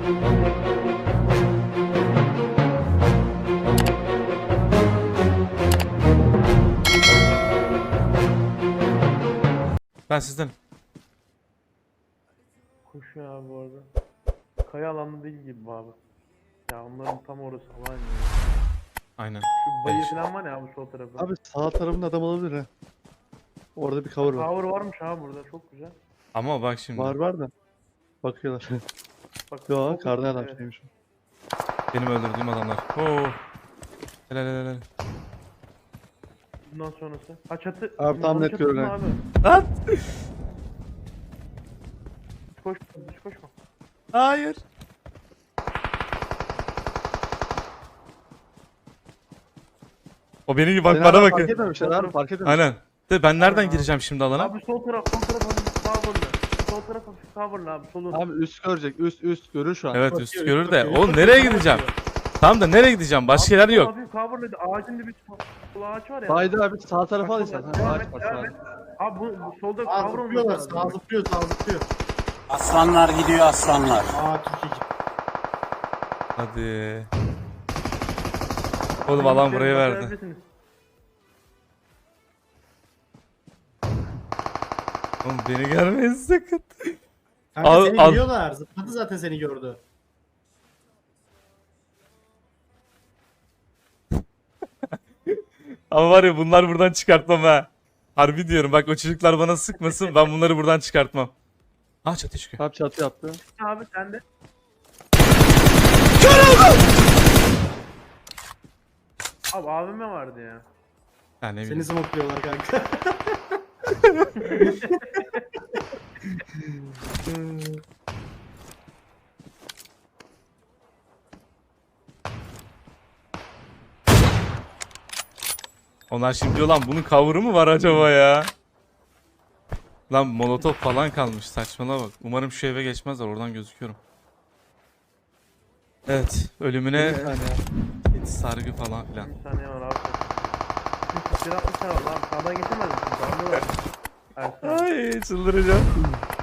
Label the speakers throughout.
Speaker 1: Ben sizden.
Speaker 2: Koşuyor abi bu arada. Kaya alanı değil gibi bu abi. Ya onların tam orası alan ya.
Speaker 1: Aynen.
Speaker 2: Şu bayır
Speaker 1: Evet.
Speaker 2: falan var ya abi sol tarafı.
Speaker 3: Abi sağ tarafında adam olabilir ha. Orada bir cover var.
Speaker 2: Tower varmış abi burada çok güzel.
Speaker 1: Ama bak şimdi.
Speaker 3: Var da. Bakıyorlar.
Speaker 2: Bak,
Speaker 3: Yo
Speaker 2: çok
Speaker 3: kardan
Speaker 2: güzel,
Speaker 3: adam
Speaker 2: evet.
Speaker 3: şeymiş.
Speaker 1: Benim öldürdüğüm adamlar. Oo. Helal helal helal.
Speaker 2: Bundan sonrası. Ha çatı.
Speaker 3: Abi, tam
Speaker 2: Bunun
Speaker 3: net
Speaker 2: çatısı mı
Speaker 3: görünen.
Speaker 2: abi?
Speaker 1: Lan.
Speaker 2: Hiç koşma.
Speaker 1: Hayır. O benim gibi bak
Speaker 3: Seni
Speaker 1: bana
Speaker 3: adam
Speaker 1: bakın.
Speaker 3: Fark etmemişler abi fark etmemişler.
Speaker 1: Aynen. De ben nereden
Speaker 2: Aynen abi.
Speaker 1: gireceğim şimdi alana?
Speaker 2: Abi sol taraf hafif coverlı. Sol taraf hafif coverlı abi solun.
Speaker 3: Abi üst görecek üst görür şu an.
Speaker 1: Evet
Speaker 2: Bakıyor,
Speaker 1: üst
Speaker 2: üst
Speaker 1: görür de.
Speaker 2: bakıyor,
Speaker 1: Oğlum
Speaker 2: üst
Speaker 1: nereye
Speaker 2: bakıyor,
Speaker 1: gideceğim?
Speaker 2: bakıyor.
Speaker 1: Tamam da nereye gideceğim? Başka yer yok.
Speaker 2: Hafif coverlıydı. Ağacın dibi sol ağaç var ya.
Speaker 3: Haydi abi sağ tarafa al istersen.
Speaker 2: Devam
Speaker 3: Ağaç
Speaker 2: et,
Speaker 3: var
Speaker 2: devam
Speaker 3: sağ.
Speaker 2: et. Abi bu solda
Speaker 4: Sağ
Speaker 2: cover olması
Speaker 4: zıplıyorlar,
Speaker 2: lazım.
Speaker 4: sağ zıplıyor, sağ zıplıyor.
Speaker 5: Aslanlar gidiyor aslanlar.
Speaker 4: Aa Türkiye.
Speaker 1: Hadi. Oğlum alan buraya verdi.
Speaker 2: Başarabilirsiniz.
Speaker 1: Oğlum beni görmeyin sakın.
Speaker 4: Kanka
Speaker 1: Al-
Speaker 4: seni
Speaker 1: al.
Speaker 4: biliyorlar. Zıpladı zaten seni gördü.
Speaker 1: Ama var ya bunlar buradan çıkartmam ha. Harbi diyorum bak o çocuklar bana sıkmasın ben bunları buradan çıkartmam. Ha çatı çıkıyor.
Speaker 3: Abi çatı yaptı.
Speaker 2: Abi sen de. Abi abime vardı ya.
Speaker 1: Ha ne
Speaker 4: Seni
Speaker 1: bileyim.
Speaker 4: smokluyorlar kanka.
Speaker 1: Onlar şimdi diyor lan bunun cover'ı mı var acaba ya? Lan molotof falan kalmış saçmalama bak. Umarım şu eve geçmezler oradan gözüküyorum. Evet ölümüne
Speaker 3: Bir saniye.
Speaker 1: hiç sargı falan filan.
Speaker 2: Bir saniye var abi. Şimdi silah atmışlar var abi. Sağdan geçemez misin? Sağdan var. Ersin abi.
Speaker 1: Ay çıldıracağım.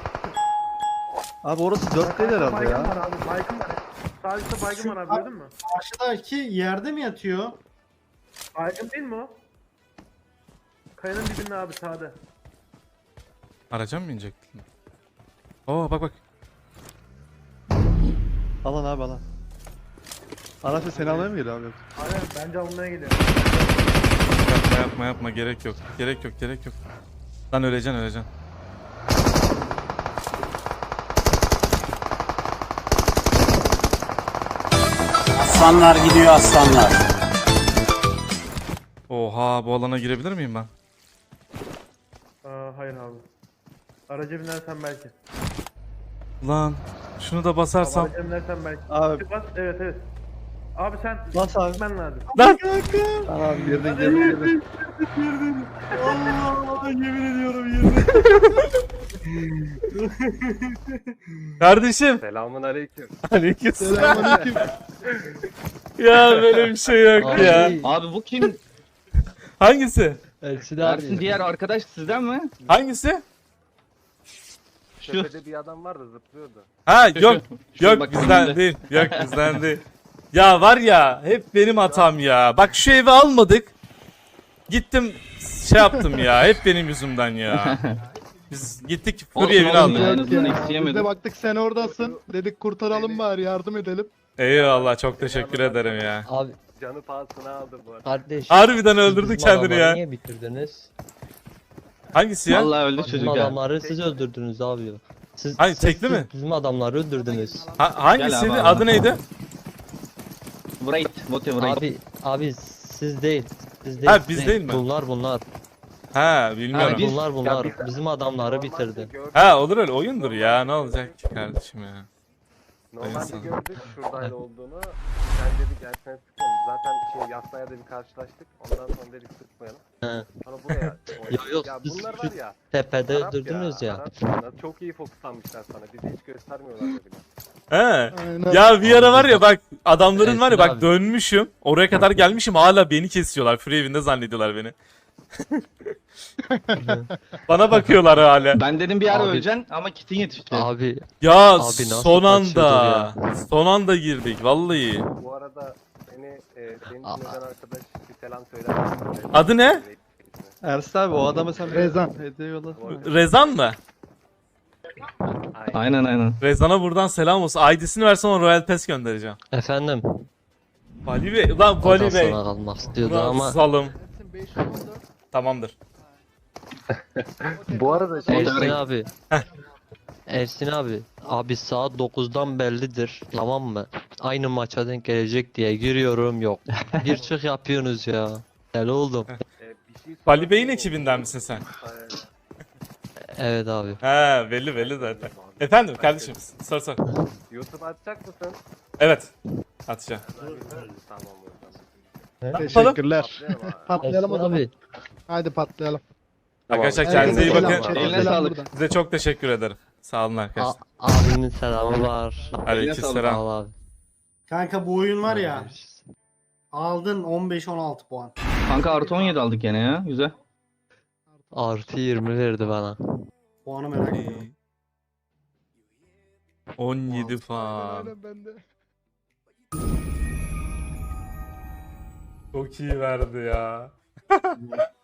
Speaker 3: Abi orası 4 değil herhalde
Speaker 2: Baygın
Speaker 3: ya.
Speaker 2: var abi. Baygın var. Sağ üstte baygın var abi gördün mü?
Speaker 4: Karşıdaki yerde mi yatıyor?
Speaker 2: Baygın değil mi o? Kayanın dibinde abi sağda.
Speaker 1: Araca mı binecektin? Oo bak bak.
Speaker 3: Alan abi alan. Araçla seni almaya mı geliyor abi? Yok.
Speaker 2: Aynen bence almaya geliyor.
Speaker 1: Yapma gerek yok. Gerek yok. Lan öleceksin.
Speaker 5: Aslanlar gidiyor aslanlar.
Speaker 1: Oha bu alana girebilir miyim ben?
Speaker 2: Hayır abi. Araca binersen belki.
Speaker 1: Lan şunu da basarsam.
Speaker 2: Araca binersen belki.
Speaker 3: Abi
Speaker 2: Bas evet. Abi sen
Speaker 3: bas abi.
Speaker 2: gitmen lazım.
Speaker 1: Lan
Speaker 3: Abi girdin.
Speaker 4: Allah yemin ediyorum yemin.
Speaker 1: kardeşim.
Speaker 6: Selamun aleyküm.
Speaker 1: Aleykümselam.
Speaker 3: Selamünaleyküm.
Speaker 1: Ya böyle bir şey yok ya.
Speaker 7: Abi bu kim?
Speaker 1: Hangisi?
Speaker 7: Ersin diğer arkadaş sizden mi?
Speaker 1: Hangisi?
Speaker 6: Tepede bir adam vardı zıplıyordu.
Speaker 1: Ha yok. Yok
Speaker 7: bak
Speaker 1: bizden
Speaker 7: önünde.
Speaker 1: değil. Yok bizden değil. Ya var ya hep benim hatam ya. Bak şu evi almadık. Gittim şey yaptım ya. Hep benim yüzümden ya. Biz gittik Fury
Speaker 7: Olsun,
Speaker 1: evini
Speaker 7: olsun
Speaker 1: aldık.
Speaker 7: ya. En azından
Speaker 3: Biz de
Speaker 7: isteyemedim.
Speaker 3: baktık sen oradasın. Dedik kurtaralım bari yardım edelim.
Speaker 1: Eyvallah çok teşekkür ederim ya.
Speaker 8: Abi
Speaker 6: Canı pahasına aldı bu arada.
Speaker 8: kardeş.
Speaker 1: Harbiden
Speaker 8: siz
Speaker 1: öldürdü
Speaker 8: bizim
Speaker 1: kendini
Speaker 8: adamları
Speaker 1: ya.
Speaker 8: Niye bitirdiniz?
Speaker 1: Hangisi ya?
Speaker 7: Vallahi öldü
Speaker 8: Bizim
Speaker 7: çocuk ya.
Speaker 8: adamları siz öldürdünüz abi. Siz,
Speaker 1: Hayır, tekli mi?
Speaker 8: Bizim adamları öldürdünüz.
Speaker 1: Hangisiydi?
Speaker 7: Gel abi,
Speaker 1: Adı
Speaker 7: abi.
Speaker 1: neydi?
Speaker 7: Wright, whatever.
Speaker 8: Abi siz değil. Siz değil.
Speaker 1: Ha, biz değil mi?
Speaker 8: Bunlar.
Speaker 1: Ha bilmiyorum.
Speaker 7: Abi, biz-
Speaker 8: Bunlar.
Speaker 6: Ya biz-
Speaker 8: Bizim adamları
Speaker 6: Normalde
Speaker 8: bitirdi.
Speaker 6: gördük-
Speaker 1: Ha olur öyle oyundur ya ne olacak ki kardeşim ya.
Speaker 6: Normalde
Speaker 1: İnsan.
Speaker 6: gördük şuradaydı olduğunu. Sen dedik gelsene sıkalım. Zaten Yasna'ya da bir karşılaştık. Ondan sonra dedik sıkmayalım.
Speaker 8: He.
Speaker 6: Sonra buraya
Speaker 8: yok,
Speaker 6: Ya
Speaker 8: biz
Speaker 6: bunlar
Speaker 8: şu
Speaker 6: var ya.
Speaker 8: Tepede
Speaker 6: Arap
Speaker 8: öldürdünüz ya.
Speaker 6: Arap bunlar. Çok iyi fokuslanmışlar sana. Bizi hiç göstermiyorlar bile.
Speaker 1: He.
Speaker 3: Aynen.
Speaker 1: Ya bir ara var ya bak adamların var ya
Speaker 8: Ersin
Speaker 1: bak
Speaker 8: abi.
Speaker 1: dönmüşüm. Oraya kadar gelmişim hala beni kesiyorlar. Free evinde zannediyorlar beni. Bana bakıyorlar hala.
Speaker 7: Ben dedim bir ara
Speaker 8: Abi-
Speaker 7: öleceksin ama kitin yetişti.
Speaker 8: Abi
Speaker 1: Ya
Speaker 8: Abi nasıl
Speaker 1: son
Speaker 8: kaçıyordun
Speaker 1: anda. Son anda girdik vallahi.
Speaker 6: Bu arada senin için neden arkadaş bir selam söyler misin?
Speaker 1: Adı ne?
Speaker 3: Ersin abi o adama sen Rezan hediye yolla.
Speaker 1: Rezan mı?
Speaker 7: Aynen.
Speaker 1: Rezan'a buradan selam olsun. ID'sini versen ona Royal Pass göndereceğim.
Speaker 8: efendim.
Speaker 1: Vali Bey. Ulan
Speaker 8: O da
Speaker 1: Vali Bey.
Speaker 8: sana kalmak istiyordu
Speaker 1: Ulan
Speaker 8: ama
Speaker 1: salım. Tamamdır.
Speaker 6: Bu arada şey
Speaker 8: Ersin abi. Ersin abi. Abi saat 9'dan bellidir. Tamam mı? Aynı maça denk gelecek diye giriyorum yok. Bir çık yapıyorsunuz ya. Deli oldum.
Speaker 6: bir şey
Speaker 1: Vali Bey'in ekibinden misin sen?
Speaker 8: Evet abi.
Speaker 1: He belli zaten. Efendim kardeşim sor.
Speaker 6: YouTube açacak mısın?
Speaker 1: Evet. Atacağım.
Speaker 6: Tamam o zaman.
Speaker 3: Teşekkürler.
Speaker 6: Patlayalım abi.
Speaker 3: Patlayalım o
Speaker 8: Ersin
Speaker 3: zaman.
Speaker 8: abi.
Speaker 3: Haydi patlayalım.
Speaker 1: Arkadaşlar kendinize iyi
Speaker 3: Selam,
Speaker 1: bakın.
Speaker 3: chat,
Speaker 7: Eline
Speaker 3: selam
Speaker 7: sağlık.
Speaker 3: buradan.
Speaker 1: Size çok teşekkür ederim. Sağ olun arkadaşlar.
Speaker 8: Abimin selamı var.
Speaker 7: Sağ
Speaker 1: Aleykümselam.
Speaker 8: Sağ ol abi.
Speaker 4: Kanka bu oyun var ya. Aldın 15-16 puan.
Speaker 7: Kanka artı 17 aldık gene ya. Güzel.
Speaker 8: Artı 20 verdi bana.
Speaker 4: Puanı merak ediyorum.
Speaker 1: 17 puan.
Speaker 3: Aynen ben de.
Speaker 1: Çok iyi verdi ya.